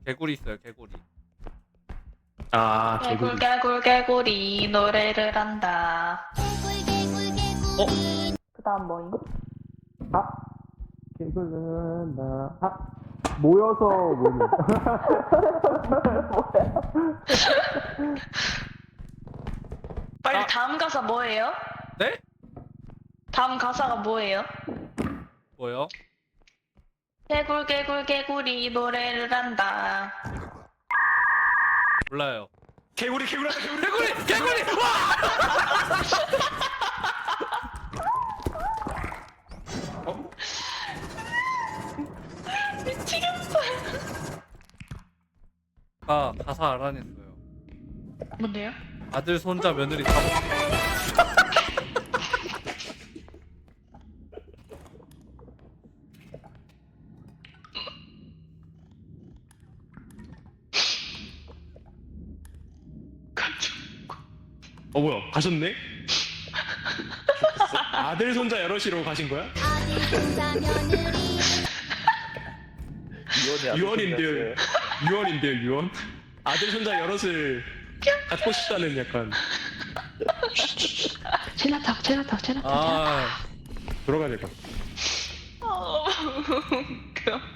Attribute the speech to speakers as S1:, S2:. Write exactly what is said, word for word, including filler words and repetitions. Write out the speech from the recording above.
S1: 개구리 있어요, 개구리.
S2: 아,
S3: 개굴
S2: 개구리.
S3: 개굴 개구리 노래를 한다.
S1: 어?
S3: 그 다음 뭐임?
S2: 아, 개구리는 나. 아, 모여서 모이는.
S3: 빨리
S1: 아.
S3: 다음 가사 뭐예요?
S1: 네?
S3: 다음 가사가 뭐예요?
S1: 뭐요?
S3: 개굴 개굴 개구리 노래를 한다.
S1: 몰라요.
S2: 개구리, 개구리, 개구리.
S1: 개구리! 개구리! 와!
S3: 미치겠어.
S1: 아, 가사 알아냈어요.
S3: 뭔데요?
S1: 아들, 손자, 며느리 다 먹...
S2: 어, 뭐야, 가셨네? 좋겠어. 아들, 손자 여럿이로 가신 거야? 유언인데요. 유언인데요, 유언? 아들, 손자 여럿을 갖고 싶다는 약간.
S3: 제나탁 제나탁 제나탁.
S1: 아,
S2: 돌아가야 될 것 같아.
S3: 어, 웃겨.